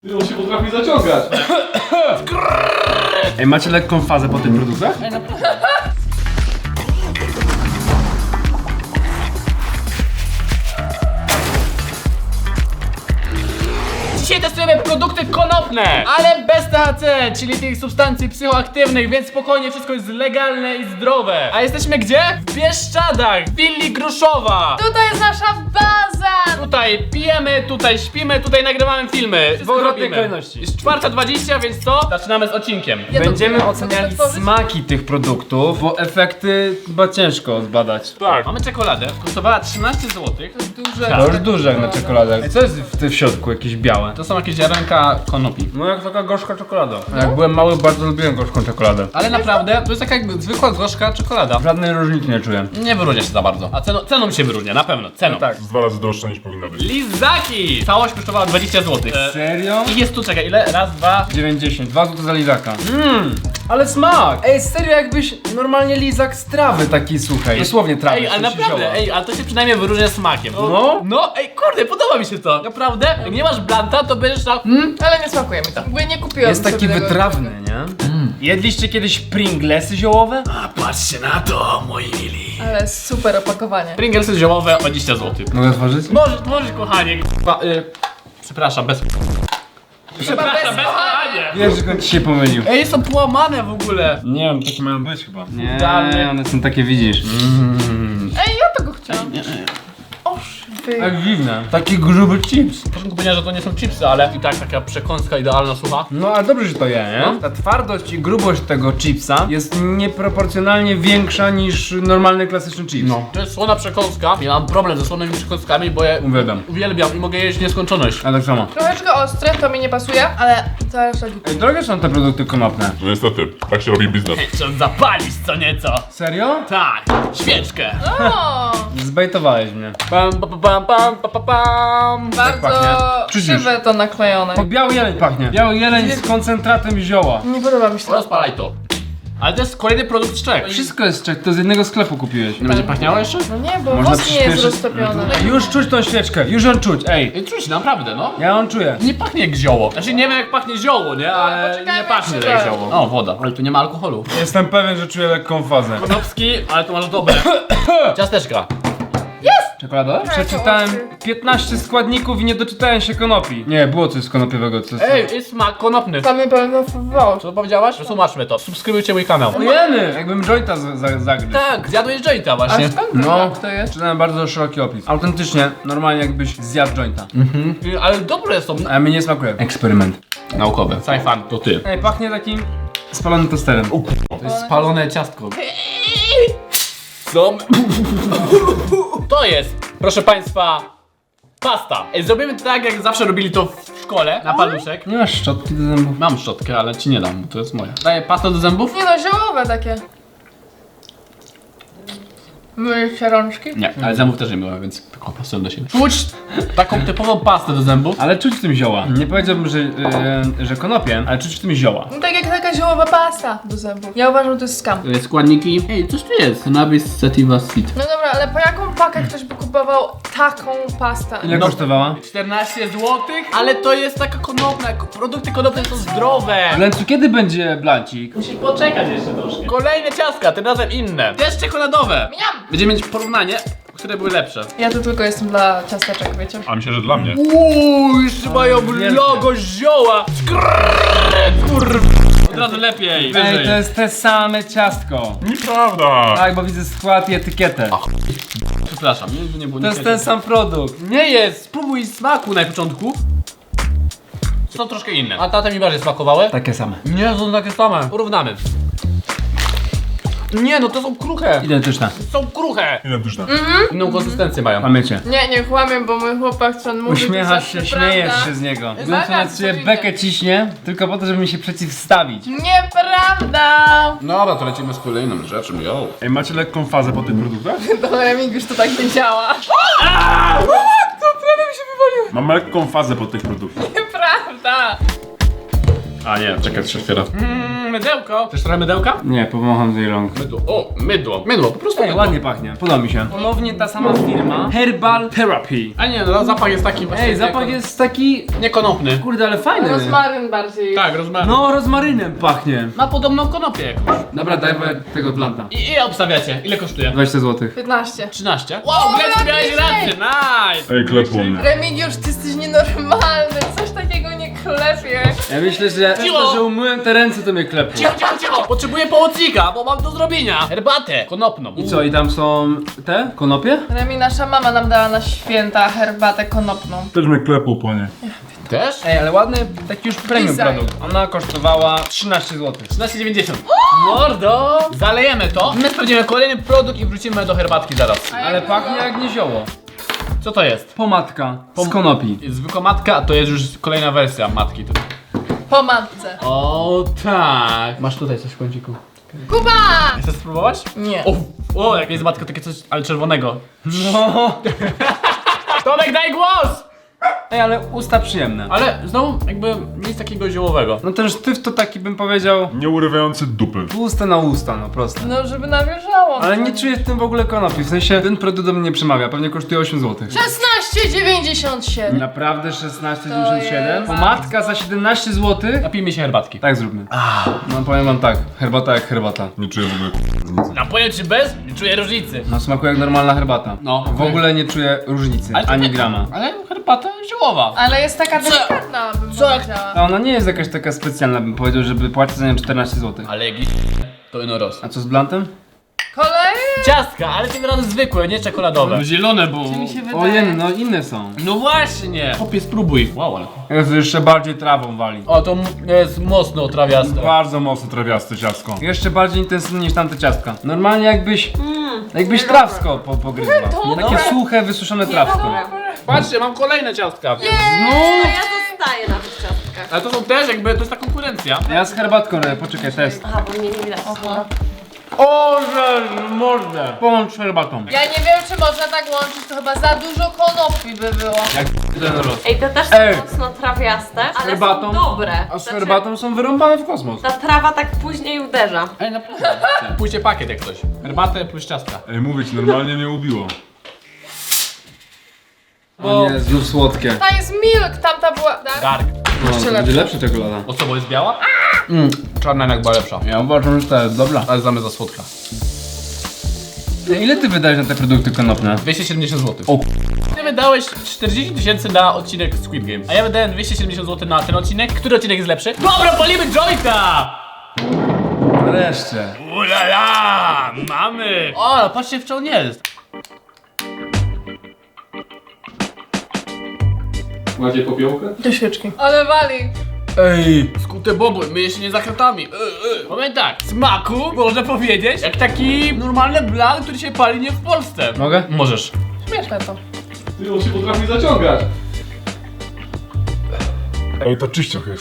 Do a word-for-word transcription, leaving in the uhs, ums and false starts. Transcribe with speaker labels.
Speaker 1: Ty, on się potrafi zaciągać. Ej, macie lekką fazę po tych produktach?
Speaker 2: Ej, naprawdę. Dzisiaj testujemy produkty konopne, ale bez T H C, czyli tych substancji psychoaktywnych, więc spokojnie, wszystko jest legalne i zdrowe. A jesteśmy gdzie? W Bieszczadach, w willi Gruszowa.
Speaker 3: Tutaj jest nasza baza!
Speaker 2: Tutaj pijemy, tutaj śpimy, tutaj nagrywamy filmy. Wszystko
Speaker 1: W odwrotnej
Speaker 2: robimy.
Speaker 1: kolejności.
Speaker 2: Jest czwarta dwadzieścia, więc co? Zaczynamy z odcinkiem.
Speaker 3: Ja to-
Speaker 1: Będziemy
Speaker 3: mogę
Speaker 1: oceniali
Speaker 3: otworzyć?
Speaker 1: smaki tych produktów, bo efekty chyba ciężko zbadać.
Speaker 4: Tak.
Speaker 2: Mamy czekoladę, kosztowała trzynaście złotych.
Speaker 3: To jest duże.
Speaker 1: To już duże jak na czekoladę. Ej, co jest w tym w środku? Jakieś białe?
Speaker 2: To są jakieś ziarenka konopi.
Speaker 1: No jak taka gorzka czekolada. Jak byłem mały, bardzo lubiłem gorzką czekoladę.
Speaker 2: Ale naprawdę, to jest taka jak zwykła gorzka czekolada.
Speaker 1: Żadnej różnicy nie czuję.
Speaker 2: Nie wyróżnia się za bardzo. A ceną, ceną się wyróżnia, na pewno, ceną.
Speaker 1: tak.
Speaker 4: Z dwa razy droższa niż powinna być.
Speaker 2: Lizaki! Całość kosztowała dwadzieścia złotych. E,
Speaker 1: Serio?
Speaker 2: I jest tu, czekaj, ile? Raz, dwa.
Speaker 1: dziewięćdziesiąt, dwa złote za lizaka.
Speaker 2: Mmm.
Speaker 1: Ale smak! Ej, serio jakbyś normalnie lizak z trawy taki suchej. Dosłownie trawy.
Speaker 2: Ej, ale
Speaker 1: w sensie zioła.
Speaker 2: naprawdę, ej, ale to się przynajmniej wyróżnia smakiem.
Speaker 1: No?
Speaker 2: No, ej, kurde, podoba mi się to. Naprawdę? Jak nie masz blanta, to będziesz tam...
Speaker 3: Mm, ale nie smakuje mi to. Jakby nie kupiłam
Speaker 1: Jest taki
Speaker 3: sobie tego.
Speaker 1: wytrawny, nie? Jedliście kiedyś Pringlesy ziołowe?
Speaker 2: A patrzcie na to, moi mili.
Speaker 3: Ale super opakowanie.
Speaker 2: Pringlesy ziołowe o dwadzieścia złotych.
Speaker 1: Mogę otworzyć?
Speaker 2: Możesz, możesz, kochanie. Ba, y, przepraszam, bez... Przepraszam, bez kochanie.
Speaker 1: Wiesz, że on ci się pomylił.
Speaker 2: Ej, są połamane w ogóle.
Speaker 1: Nie wiem, takie mają być chyba. Nie,
Speaker 2: Idealnie.
Speaker 1: one są takie, widzisz.
Speaker 3: Ej, ja tego chciałam. Oż ty.
Speaker 1: Tak dziwne. Taki gruby chips.
Speaker 2: Na początku powiedziałem, że to nie są chipsy, ale i tak taka przekąska idealna, sucha.
Speaker 1: No a dobrze, że to je, nie?
Speaker 2: No.
Speaker 1: Ta twardość i grubość tego chipsa jest nieproporcjonalnie większa niż normalny klasyczny chips.
Speaker 2: No. To jest słona przekąska. Ja mam problem ze słonymi przekąskami, bo je
Speaker 1: Uwielbiam.
Speaker 2: uwielbiam i mogę jeść w nieskończoność.
Speaker 1: A tak samo.
Speaker 3: Troszeczkę ostre, to mi nie pasuje, ale cała reszta git.
Speaker 1: Ej, drogie są te produkty konopne.
Speaker 4: No niestety, tak się robi biznes.
Speaker 2: Trzeba zapalić co nieco.
Speaker 1: Serio?
Speaker 2: Tak, świeczkę.
Speaker 3: O,
Speaker 1: Zbejtowałeś mnie.
Speaker 2: Pam, pam, pam, pam, pam, pam, pam.
Speaker 3: bardzo
Speaker 1: pachnie? Czuć już.
Speaker 3: krzywe to naklejone.
Speaker 1: O, biały jeleń pachnie. Biały jeleń z koncentratem zioła.
Speaker 3: Nie podoba mi się to.
Speaker 2: Rozpalaj to. Ale to jest kolejny produkt z Czech.
Speaker 1: Wszystko jest czek, to z jednego sklepu kupiłeś.
Speaker 2: Nie będzie pachniało jeszcze?
Speaker 3: No nie, bo
Speaker 1: Można
Speaker 3: wosk nie jest
Speaker 1: przyspieszyć.
Speaker 3: roztopiony.
Speaker 1: Już czuć tą świeczkę, już ją czuć, ej.
Speaker 2: Ej, czuć, naprawdę, no.
Speaker 1: Ja ją czuję.
Speaker 2: Nie pachnie jak zioło. Znaczy nie wiem jak pachnie zioło, nie? Ale
Speaker 3: poczekajmy,
Speaker 2: nie pachnie
Speaker 3: jak
Speaker 2: jak
Speaker 3: się
Speaker 2: zioło. O, woda. Ale tu nie ma alkoholu.
Speaker 1: Jestem pewien, że czuję lekką fazę.
Speaker 2: Konopski, ale tu masz dobre. Ciasteczka.
Speaker 1: Czekoladowe? Przeczytałem piętnaście składników i nie doczytałem się konopi. Nie, było coś z konopiowego, co
Speaker 2: Ej, jest smak konopny.
Speaker 3: Tam mi pełno fruwał.
Speaker 2: Co powiedziałaś? Przetłumaczmy to. Subskrybujcie mój kanał.
Speaker 1: Ojeny! Jakbym jointa z- za- zagryzł.
Speaker 2: Tak, zjadłeś jointa
Speaker 3: A
Speaker 2: właśnie.
Speaker 3: skąd
Speaker 1: No.
Speaker 3: no. to jest?
Speaker 1: Czytałem bardzo szeroki opis. Autentycznie, normalnie jakbyś zjadł jointa.
Speaker 2: Y, Ale dobre są.
Speaker 1: A mi nie smakuje. Eksperyment.
Speaker 2: Naukowe. Sajfan, to ty.
Speaker 1: Ej, pachnie takim spalonym tosterem.
Speaker 2: To jest spalone ciastko. Co? To jest, proszę państwa, pasta. Ej, zrobimy to tak, jak zawsze robili to w szkole, na paluszek.
Speaker 1: Nie masz szczotki do zębów.
Speaker 2: Mam szczotkę, ale ci nie dam, bo to jest moja. Daję pastę do zębów?
Speaker 3: Nie no, ziołowe takie. Myjesz się rączki?
Speaker 2: Nie, ale zębów też nie myłem, więc taką pastę do siebie. Czuć taką typową pastę do zębów.
Speaker 1: Ale czuć w tym zioła. Nie powiedziałbym, że, yy, że konopie, ale czuć w tym zioła.
Speaker 3: No tak jak taka ziołowa pasta do zębów. Ja uważam, że to jest skam.
Speaker 2: Składniki. Ej, coś tu jest. Cannabis sativa sweet.
Speaker 3: No dobra, ale po jaką pakę ktoś by kupował taką pastę?
Speaker 1: Ile
Speaker 2: No.
Speaker 1: kosztowała?
Speaker 2: czternaście złotych? Ale to jest taka konopna, produkty konopne są zdrowe.
Speaker 1: Lencu, kiedy będzie blancik?
Speaker 2: Musi poczekać jeszcze troszkę. Kolejne ciastka, tym razem inne. Też czekoladowe.
Speaker 3: Miam!
Speaker 2: Będziemy mieć porównanie, które były lepsze.
Speaker 3: Ja tu tylko jestem dla ciasteczek, wiecie?
Speaker 4: A myślę, że dla mnie.
Speaker 2: Uuu, jeszcze mają
Speaker 1: wielkie.
Speaker 2: logo zioła. Kurwa. Od razu lepiej. Wyżej.
Speaker 1: Ej, to jest te same ciastko.
Speaker 4: Nieprawda!
Speaker 1: Tak, bo widzę skład i etykietę.
Speaker 2: Przepraszam, nie, nie było
Speaker 1: To
Speaker 2: nie
Speaker 1: jest ten sam produkt.
Speaker 2: Nie jest, spróbuj smaku na początku. Są troszkę inne. A tata mi bardziej smakowały?
Speaker 1: Takie same.
Speaker 2: Nie, są takie same. Porównamy. Nie, no to są kruche.
Speaker 1: Identyczne.
Speaker 2: Są kruche.
Speaker 4: Identyczne.
Speaker 2: Inną konsystencję mają.
Speaker 1: Pamięcie.
Speaker 3: Nie, nie kłamię, bo mój chłopak co on mówi,
Speaker 1: Uśmiechasz
Speaker 3: to
Speaker 1: się,
Speaker 3: jest
Speaker 1: śmiejesz
Speaker 3: prawda.
Speaker 1: się z niego.
Speaker 3: Zakaz,
Speaker 1: Lencu na ciebie
Speaker 3: oczywiście.
Speaker 1: bekę ciśnie, tylko po to, żeby mi się przeciwstawić.
Speaker 3: Nieprawda!
Speaker 2: Dobra, to lecimy z kolejną rzeczą, yo.
Speaker 1: Ej, macie lekką fazę po tych produktach?
Speaker 3: To Remigiusz to tak nie działa. To prawie mi się wywaliło.
Speaker 4: Mam lekką fazę po tych produktach.
Speaker 3: Nieprawda!
Speaker 2: A nie, czekaj, się otwiera. Mmm, mydełko. Chcesz trochę mydełka?
Speaker 1: Nie, pomacham z jej rąk.
Speaker 2: Mydło. O, mydło. Mydło, po prostu
Speaker 1: Ej,
Speaker 2: mydło.
Speaker 1: ładnie pachnie, podoba mi się. Ponownie ta sama firma. Herbal Therapy.
Speaker 2: A nie, no zapach jest taki właśnie...
Speaker 1: Ej, zapach jest taki...
Speaker 2: niekonopny.
Speaker 1: Kurde, ale fajny.
Speaker 3: Rozmaryn bardziej.
Speaker 2: Tak, rozumiem.
Speaker 1: No, rozmarynem pachnie.
Speaker 2: Ma podobną konopię jakąś.
Speaker 1: Dobra, daj tego planta.
Speaker 2: I ile obstawiacie? Ile kosztuje?
Speaker 1: dwadzieścia złotych.
Speaker 3: piętnaście.
Speaker 2: trzynaście. Wow, Glecku, miałeś rację, nice!
Speaker 4: Ej, klepło mnie.
Speaker 3: Remigiusz, ty jesteś nienormalny. Coś takiego nie klepie.
Speaker 1: Ja myślę, że
Speaker 2: Cicho.
Speaker 1: to, że umyłem te ręce, to mnie klepło.
Speaker 2: Cicho, cicho, cicho! Potrzebuję pomocnika, bo mam do zrobienia. Herbatę konopną.
Speaker 1: I co, i tam są te konopie?
Speaker 3: Remi, nasza mama nam dała na święta herbatę konopną.
Speaker 4: Też mnie klepło po nie.
Speaker 2: Też?
Speaker 1: Ej, ale ładny, taki już premium
Speaker 3: Design.
Speaker 1: produkt. Ona kosztowała trzynaście złotych.
Speaker 2: trzynaście dziewięćdziesiąt. Mordo! Zalejemy to. My sprawdzimy kolejny produkt i wrócimy do herbatki zaraz.
Speaker 1: Ale pachnie jak nie zioło.
Speaker 2: Co to jest?
Speaker 1: Pomadka z konopi.
Speaker 2: Zwykła matka, a to jest już kolejna wersja matki.
Speaker 3: Po matce.
Speaker 2: O tak. Masz tutaj coś w kąciku.
Speaker 3: Kuba!
Speaker 2: Chcesz spróbować?
Speaker 3: Nie.
Speaker 2: O, o jak jest matka, takie coś, ale czerwonego.
Speaker 1: No.
Speaker 2: Tomek, daj głos!
Speaker 1: Ej, ale usta przyjemne.
Speaker 2: Ale znowu jakby nic takiego ziołowego.
Speaker 1: No ten sztyw to taki bym powiedział
Speaker 4: Nie urywający dupy.
Speaker 1: usta na usta, no proste.
Speaker 3: No, żeby nawierzało.
Speaker 1: Ale nie czuję w tym w ogóle konopi, w sensie ten produkt do mnie nie przemawia, pewnie kosztuje osiem złotych.
Speaker 3: szesnaście dziewięćdziesiąt siedem.
Speaker 1: Naprawdę szesnaście dziewięćdziesiąt siedem?
Speaker 3: jest-
Speaker 1: Pomadka za siedemnaście złotych?
Speaker 2: Napijmy się herbatki.
Speaker 1: Tak zróbmy. No powiem wam tak, herbata jak herbata.
Speaker 4: Nie czuję w ogóle różnicy.
Speaker 2: Napoję czy bez? Nie czuję różnicy.
Speaker 1: No smakuje jak normalna herbata.
Speaker 2: No.
Speaker 1: W ogóle nie czuję różnicy,
Speaker 2: Ale to
Speaker 1: ani
Speaker 2: nie-
Speaker 1: grama.
Speaker 2: Ale herbata ziołowa.
Speaker 3: Ale jest taka delikatna, bym
Speaker 2: Co?
Speaker 3: powiedziała.
Speaker 1: A ona nie jest jakaś taka specjalna, bym powiedział, żeby płacić za nią czternaście złotych.
Speaker 2: Ale jak to ino roz.
Speaker 1: A co z blantem?
Speaker 3: Kolej?
Speaker 2: Ciastka, ale tym razem zwykłe, nie czekoladowe. Zielone, bo...
Speaker 3: Mi się wydaje.
Speaker 1: Ojej, no inne są.
Speaker 2: No właśnie! Chłopie, spróbuj. Wow, ale...
Speaker 1: Jest jeszcze bardziej trawą wali.
Speaker 2: O, to m- jest mocno trawiaste.
Speaker 4: Bardzo mocno trawiaste ciastko.
Speaker 1: Jeszcze bardziej intensywnie niż tamte ciastka. Normalnie jakbyś, jakbyś trawsko po, pogryzła. Takie suche, wysuszone trawsko.
Speaker 2: Patrzcie, mam kolejne ciastka.
Speaker 1: No,
Speaker 5: Ja zostaję na tych ciastkach.
Speaker 2: Ale to są też jakby, to jest ta konkurencja.
Speaker 1: ja z herbatką, ale poczekaj, test.
Speaker 5: Aha, bo mnie nie widać.
Speaker 1: O, że mordę. Połącz z herbatą.
Speaker 3: Ja nie wiem, czy można tak łączyć, to chyba za dużo konopi by było.
Speaker 1: Jak ten roz.
Speaker 5: Ej, te też są
Speaker 1: Ej.
Speaker 5: mocno trawiaste, ale
Speaker 1: herbatą?
Speaker 5: są dobre.
Speaker 1: A z
Speaker 5: Znaczy,
Speaker 1: herbatą są wyrąbane w kosmos.
Speaker 5: ta trawa tak później uderza.
Speaker 2: Ej, naprawdę. Pójście pakiet jak coś. Herbatę plus ciastka.
Speaker 4: Ej, mówię ci, normalnie mnie ubiło.
Speaker 1: O nie, znów słodkie.
Speaker 3: Ta jest milk, tamta była... Tak?
Speaker 2: Dark.
Speaker 1: No, to będzie lepsza czekolada.
Speaker 2: O co, bo jest biała? Mm. Czarna jednak była lepsza.
Speaker 1: Ja uważam, że to jest dobra.
Speaker 2: Ale znamy za słodka.
Speaker 1: Ile ty wydajesz na te produkty konopne?
Speaker 2: dwieście siedemdziesiąt złotych.
Speaker 1: O
Speaker 2: Ty wydałeś czterdzieści tysięcy na odcinek Squid Game, a ja wydałem dwieście siedemdziesiąt złotych na ten odcinek. Który odcinek jest lepszy? Dobra, palimy jointa!
Speaker 1: Wreszcie.
Speaker 2: Ulala! Mamy! O, patrzcie w czym on jest.
Speaker 1: Macie popiołkę?
Speaker 3: Do świeczki. Ale wali.
Speaker 1: Ej.
Speaker 2: Skute bobły, myje się nie za kratami. Yy, yy. Powiem tak, smaku można powiedzieć jak taki normalny blan, który się pali nie w Polsce.
Speaker 1: Mogę?
Speaker 2: Możesz.
Speaker 3: Śmieszne to.
Speaker 1: Ty on się potrafi zaciągać.
Speaker 4: Ej, to czyścioch jest.